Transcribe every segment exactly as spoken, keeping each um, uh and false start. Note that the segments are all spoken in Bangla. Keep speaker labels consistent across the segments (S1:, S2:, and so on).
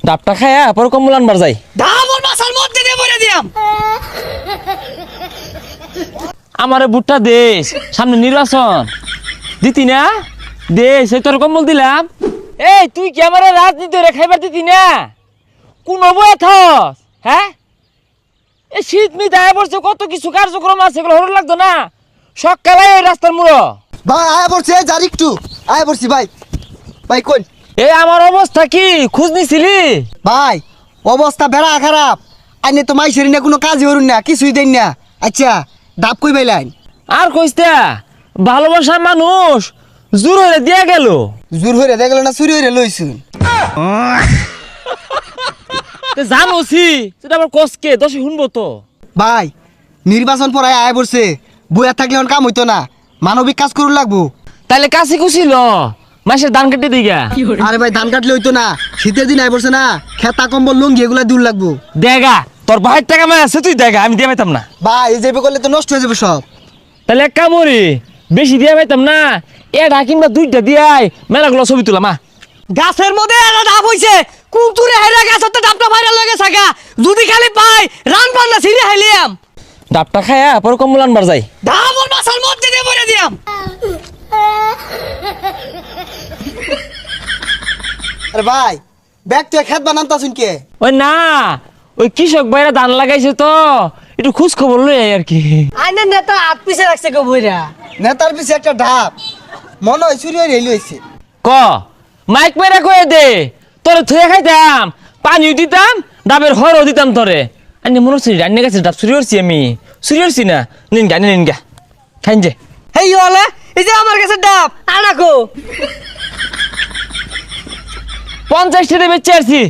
S1: ডাবটা খায়া পরে কম্বল আনবার যাই।
S2: ধামর মাসার মধ্যে দিয়ে বলে দিয়াম।
S1: আমারে বুটটা দেশ, সামনে নির্বাচন দিতি না, দেশ এই তোর কম্বল দিলাম। এই তুই কি আমার রাজনীতি রে খাইবার দিতি না? কোন বয়ে থস? হ্যাঁ, এই শীত মি দায় পড়ছে, কত কিছু কার্যক্রম আছে, এগুলো হরণ লাগতো না? সকালে এই রাস্তার মুড়ো
S3: ভাই আয়া পড়ছে, যার একটু আয়া পড়ছি ভাই। ভাই কোন
S1: এই আমার অবস্থা কি খোঁজ নিছিলি?
S3: ভাই অবস্থা বেড়া খারাপ। আইনে তো মাইসের না কোনো কাজই হরুন না, কিছুই দেন না। আচ্ছা ডাব কই পাইলেন?
S1: আর কইস্তা ভালোবাসার মানুষ জোর হয়ে দিয়া গেল।
S3: জোর হইরে দেখলো না, চুরি হইরে লইছুন।
S1: জানোছি সেটা আবার কসকে দশে শুনবো তো।
S3: ভাই নির্বাচন পড়ায় আয়া পড়ছে, বইয়া থাকলে এখন কাম হইতো না, মানবিক কাজ করুন লাগবো।
S1: তাহলে কাছে কুছিল মাসের ধান কেটে দিগা।
S3: আরে ভাই ধান কাটলে হইতো না, শীতের দিন আয় পড়ছে না, খেতা কম্বল লুঙ্গি এগুলা দূর লাগবো।
S1: দেগা তোর ভাইয়ের টাকা মায় আছে, তুই দেখা, আমি দিয়ে পাইতাম না।
S3: ভাই এই যাবে করলে তো নষ্ট হয়ে যাবে সব।
S1: তাহলে এক কামড়ি বেশি দিয়ে পাইতাম না, এটা কিংবা দুইটা দিয়াই মেলাগুলো ছবি তুলাম। মা
S2: গাছের মধ্যে একটা ডাব হইছে, কুতুরে হেরা গাছত ডাবটা ভাইরাল হয়ে গেছে গা। যদি খালি পাই রান পান্না ছিঁড়ে হাইলিয়াম।
S1: ডাবটা খায়া পরে কম্বল আনবার যাই।
S2: ধামর মাসার মধ্যে দিয়ে বলে দিয়াম।
S3: আরে ভাই ব্যাগ তুই খেত বানান তাছুন কে?
S1: ওই না, ওই কৃষক ভাইরা ধান লাগাইছে তো একটু খোঁজ খবর লই আই আর কি।
S2: আইনের নেতা হাত পিছে রাখছে গো বইরা।
S3: নেতার পিছে একটা ঢাপ, মনে হয় চুরি হইরে লইছে।
S1: ক মাইক মেরা কয়ে দে, তোরে থুয়ে খাইতাম, পানিও দিতাম, ডাবের হরও দিতাম তোরে। আনি মনে হচ্ছে রান্না গেছে ডাব চুরি করছি আমি, চুরি করছি না। নিন গা নিন গা খাইন যে।
S2: হেই হলে এই যে আমার কাছে ডাব আনাকো।
S1: পঞ্চাশ টাকা বেচে আসছি।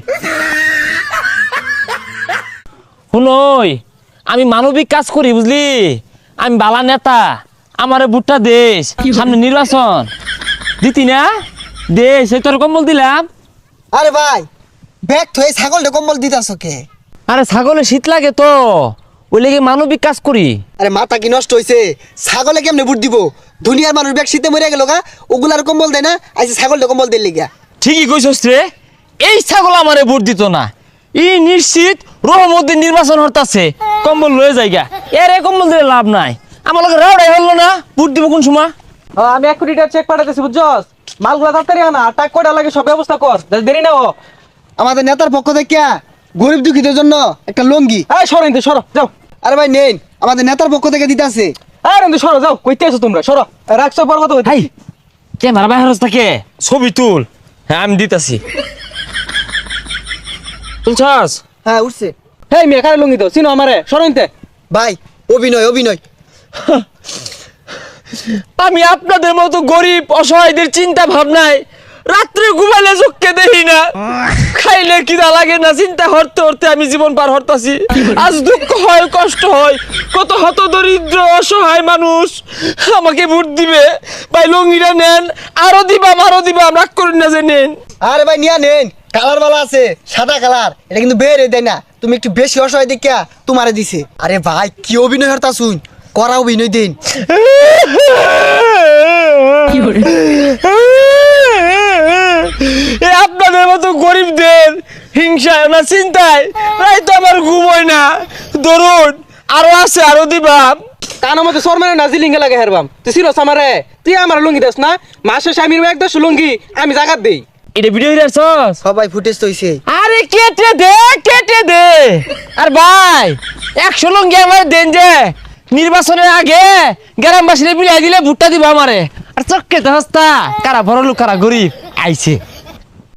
S1: শুনই আমি মানবিক কাজ করি বুঝলি, আমি বালা নেতা, আমারে বুটটা দেশ, সামনে নির্বাচন দিতি না, দেশ এই তোর কম্বল দিলাম।
S3: আরে ভাই ব্যাগ থয়ে ছাগলটা কম্বল দিতাছ কে?
S1: আরে ছাগলে শীত লাগে তো, ওই লেগে মানবিক কাজ করি।
S3: আরে মাথা কি নষ্ট হইছে? ছাগলে কেমনে বুট দিব? দুনিয়ার মানুষ ব্যাগ শীতে মরে গেল গা, ওগুলার কম্বল দেয় না, আইসে ছাগলটা কম্বল দিল লিগা।
S1: ঠিকই কইছস রে, এই ছাগল আমারে ভোট দিত না, ই নিশ্চিত রহমতের নির্বাচন হতাছে, কম্বল লয়ে যাইগা। এর এই কম্বল দিলে লাভ নাই, আমার লগে রাউডাই হলো না, ভোট দিব কোন সময়?
S4: আমি এক কোটি টাকা চেক পাঠাতেছি বুঝছস, মালগুলা তাড়াতাড়ি আনা, আর টাকা কয়টা লাগে সব ব্যবস্থা কর, যাতে দেরি না ও।
S3: আমাদের নেতার পক্ষ থেকে গরিব দুঃখীদের জন্য একটা লঙ্গি।
S4: এই সরো ইন্দু সরো যাও।
S3: আরে ভাই নেন, আমাদের নেতার পক্ষ থেকে দিতাছে।
S4: আর ইন্দু সরো যাও, কইতে আছো তোমরা সরো, রাখছো পর কথা
S1: হাই ক্যামেরা বাইরে থাকে, ছবি তুল। হ্যাঁ আমি দিতাছি, তুলছস?
S3: হ্যাঁ উঠছে।
S4: হেই মেয়ে কারে লুঙ্গি দাও, চিনো আমারে, সরো ইনতে।
S3: ভাই অভিনয় অভিনয়।
S1: আমি আপনাদের মতো গরিব অসহায়দের চিন্তা ভাবনায় রাত্রে ঘুমাইলে চোখকে দেখি না, খাইলে কিনা লাগে না, চিন্তা হরতে হরতে আমি জীবন পার হরতাছি। আজ দুঃখ হয়, কষ্ট হয়, কত হত দরিদ্র অসহায় মানুষ আমাকে ভোট দিবে। ভাই লঙ্গিটা নেন, আরো দিবাম আরো দিবাম, রাগ করেন না যে নেন।
S3: আরে ভাই নিয়া নেন, কালার বালা আছে, সাদা কালার, এটা কিন্তু বের দেয় না, তুমি একটু বেশি অসহায় দেখিয়া তোমারে দিছে। আরে ভাই কি অভিনয় হরতা শুন, করা অভিনয় দিন।
S1: এ আপনাদের মতো গরিবদের হিংসায় না চিন্তায় প্রায় তো আমার ঘুম হয় না। ধরুন আরো আছে, আরো দিবাম।
S4: কানো মতো সর মানে নাজি লিঙ্গে লাগে হেরবাম, তুই চিনোস আমারে, তুই আমার লুঙ্গি দাস না, মাসে স্বামীর এক দশ লুঙ্গি আমি জাগাত দেই।
S1: এটা ভিডিও হিরাছস?
S3: সবাই ফুটেজ তো হইছে।
S1: আরে কেটে দে কেটে দে। আর ভাই একশো লঙ্গি আমার দেন যে, নির্বাচনের আগে গ্রামবাসীরা বিলাই দিলে ভুট্টা দিব আমারে। আর চক্কে হস্তা কারা বড় লোক কারা গরিব আইছে।